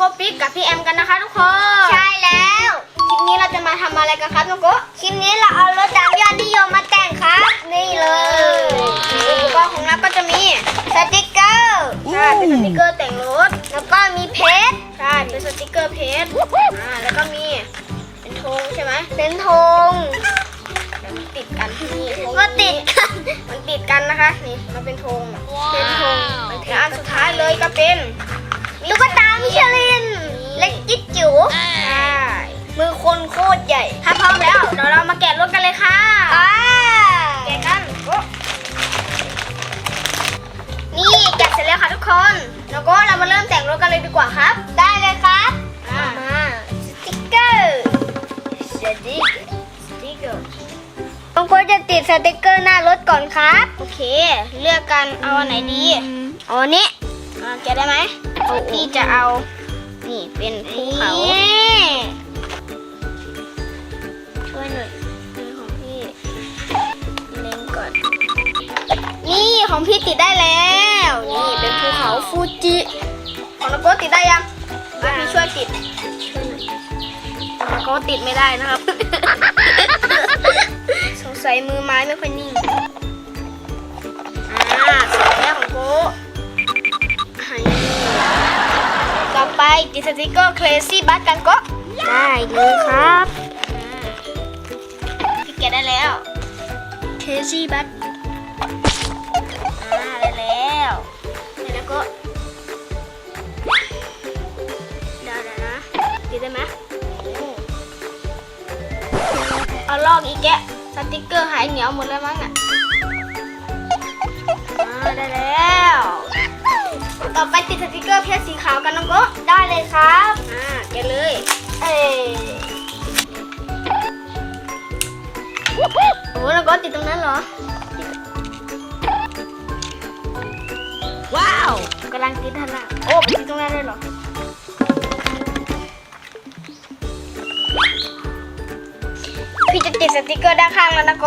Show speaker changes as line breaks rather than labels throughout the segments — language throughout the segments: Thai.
โกปิ๊กกับพี่แอมกันนะคะทุกคนใช่แล้วคลิปนี้เราจะมาทำอะไรกันครับน้องโกคลิปนี้เราเอารถตามยอดนิยมมาแต่งครับนี่เลยอุปกรณ์ของเราก็จะมีสติกเกอร์ใช่เป็นสติกเกอร์แต่งรถแล้วก็มีเพชรใช่เป็นสติกเกอร์เพชรแล้วก็มีเป็นธงใช่ไหมเป็นธงติดกันนี่ก็ติดกันมันติดกันนะคะนี่มันเป็นธงเป็นธงแล้วอันสุดท้ายเลยก็เป็นตุ๊กตามิชลินเล็กจิ๊ดจิ๋วใช่มือคนโคตรใหญ่ถ้าพร้อมแล้วเดี๋ยวเรามาแกะรถกันเลยค่ะแกะกันนี่แกะเสร็จแล้วค่ะทุกคนแล้วก็เรามาเริ่มแต่งรถกันเลยดีกว่าครับได้เลยครับมาสติ๊กเกอร์ต้องควรจะติดสติ๊กเกอร์หน้ารถก่อนครับโอเคเลือกกันเอาอันไหนดีเอาอันนี้แกะได้ไหมพี่จะเอานี่เป็นภูเขาช่วยหน่อยของพี่เล็งก่อนนี่ของพี่ติดได้แล้วนี่เป็นภูเขาฟูจิของนโกติดได้ยังพี่ช่วยติดนโกติดไม่ได้นะครับ สงสัยมือไม้ไม่ค่อยนิ่งเสร็จแล้วของโกต่อไปติดสติกเกอร์ Crazy Bus กันก็ได้เลยครับพี่แกะได้แล้ว Crazy Bus ได้แล้วแล้วก็ได้นะติดได้ไหมเอาลอกอีกแกะสติกเกอร์หายเหนียวหมดแล้วมั้งอ่ะได้แล้วต่อไปติดสติกเกอร์เพชรสีขาวกันน้องโกได้เลยครับแกะเลยโอ้น้องโกติดตรงนั้นเหรอว้าวกำลังติดทันละโอ้ติดตรงนั้นเลยเหรอพี่จะติดสติกเกอร์ด้านข้างแล้วนะโก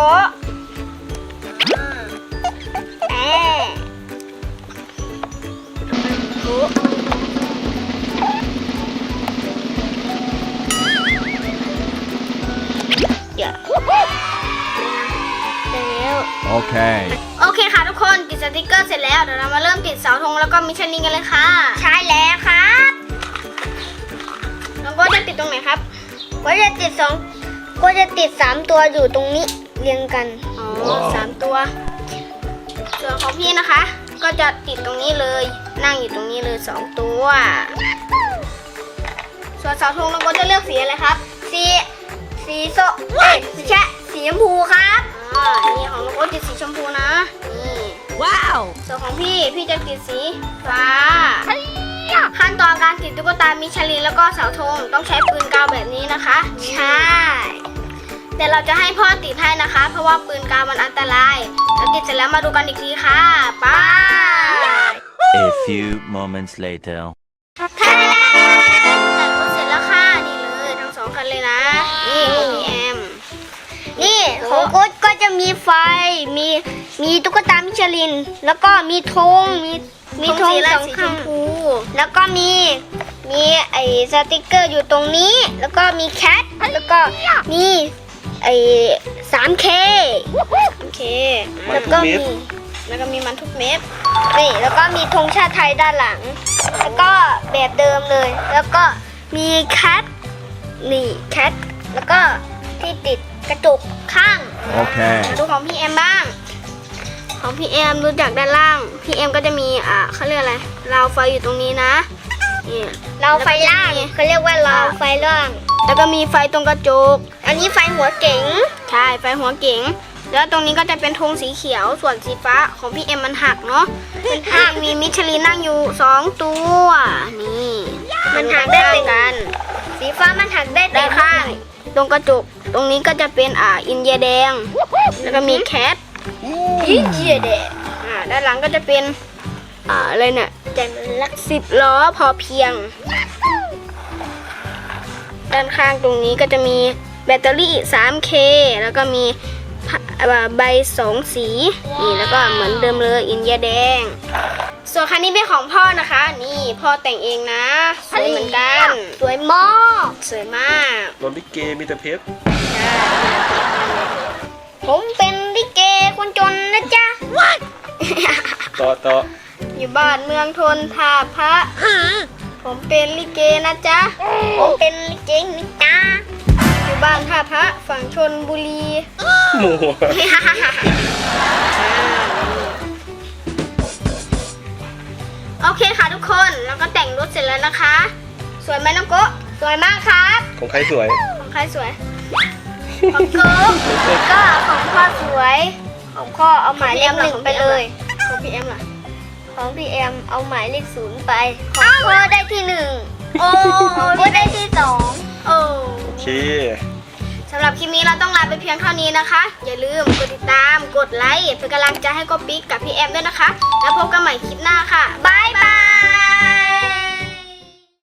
โอเคค่ะทุกคนติดสติกเกอร์เสร็จแล้วเดี๋ยวเรามาเริ่มติดเสาธงแล้วก็มิชลินกันเลยค่ะใช่แล้วครับน้องโกจะติดตรงไหนครับก็จะติด3ตัวอยู่ตรงนี้เรียงกัน3ตัวส่วนของพี่นะคะก็จะติดตรงนี้เลยนั่งอยู่ตรงนี้เลย2ตัวส่วนเสาธงน้องโกจะเลือกสีอะไรครับสีส้มไม่ใช่สีชมพูครับนี่ของน้องโกติดสีชมพูนะนี่ว้าวส่วนของพี่จะติดสีฟ้าขั้นตอนการติดตุ๊กตามิชลินแล้วก็เสาธงต้องใช้ปืนกาวแบบนี้นะคะใช่แต่เราจะให้พ่อติดให้นะคะเพราะว่าปืนกาวมันอันตรายแล้วติดเสร็จแล้วมาดูกันอีกทีค่ะไป
A few moments later
แต่งรถเสร็จแล้วค่ะนี่เลยทั้ง2คันเลยนะนี่ของพี่แอมนี่ของโอ๊ตก็จะมีไฟมีตุ๊กตามิชลินแล้วก็มีธงมีธง2ข้างแล้วก็มีไอ้สติกเกอร์อยู่ตรงนี้แล้วก็มีแคทแล้วก็มีไอ้ 3K แล้วก็มีมันทุกเม็ดนี่แล้วก็มีธงชาติไทยด้านหลังแล้วก็แบบเดิมเลยแล้วก็มีแคทแล้วก็ที่ติดกระจกข้างดูของพี่แอมบ้างของพี่แอมดูจากด้านล่างพี่แอมก็จะมีเขาเรียกอะไรราวไฟอยู่ตรงนี้นะนี่ราวไฟล่างเขาเรียกว่าราวไฟล่างแล้วก็มีไฟตรงกระจกอันนี้ไฟหัวเก๋งใช่ไฟหัวเก๋งแล้วตรงนี้ก็จะเป็นธงสีเขียวส่วนสีฟ้าของพี่แอมมันหักเนาะมันหักมีมิชลินนั่งอยู่2ตัวนี่มันหักได้กันสีฟ้ามันหักได้แต่ข้างตรงกระจกตรงนี้ก็จะเป็นอินเดียแดงแล้วก็มีแคทอินเดียแดงด้านหลังก็จะเป็นอะไรเนี่ยแจมลัก10 ล้อพอเพียงด้านข้างตรงนี้ก็จะมีแบตเตอรี่ 3K แล้วก็มีใบ2 สีนี่แล้วก็เหมือนเดิมเลยอินเดียแดงส่วนคันนี้เป็นของพ่อนะคะ นี่พ่อแต่งเองนะสวยเหมือนกันสวยมากสวยมาก
รถลิเกมีแต่เพชร
ผมเป็นลิเกคนจนนะจ๊ะ
ต่อ
อยู่บ้านเมืองทนท่าพระผมเป็นลิเกนะจ๊ะผมเป็นลิเกนะจ๊ะอยู่บ้านท่าพระฝั่งชนบุรี
หมู
โอเคค่ะทุกคนแล้วก็แต่งรถเสร็จแล้วนะคะ สวยไหมน้องโกะสวยมากครับ
ของใครสวย
ของใครสวย ของโกะก็ของพ่อสวยของพ่อเอาหมายเลขหนึ่งไปเลยของพี่แอมล่ะของพี่แอมเอาหมายเลข0ไปของพ่อได้ที่1โอ้ของพ่อได้ที่2โอ้
โอเค
สำหรับคลิปนี้เราต้องลาไปเพียงเท่านี้นะคะอย่าลืมกดติดตามกดไลค์เป็นกำลังใจให้โกปิ๊กกับพี่แอมด้วยนะคะแล้วพบกันใหม่คลิป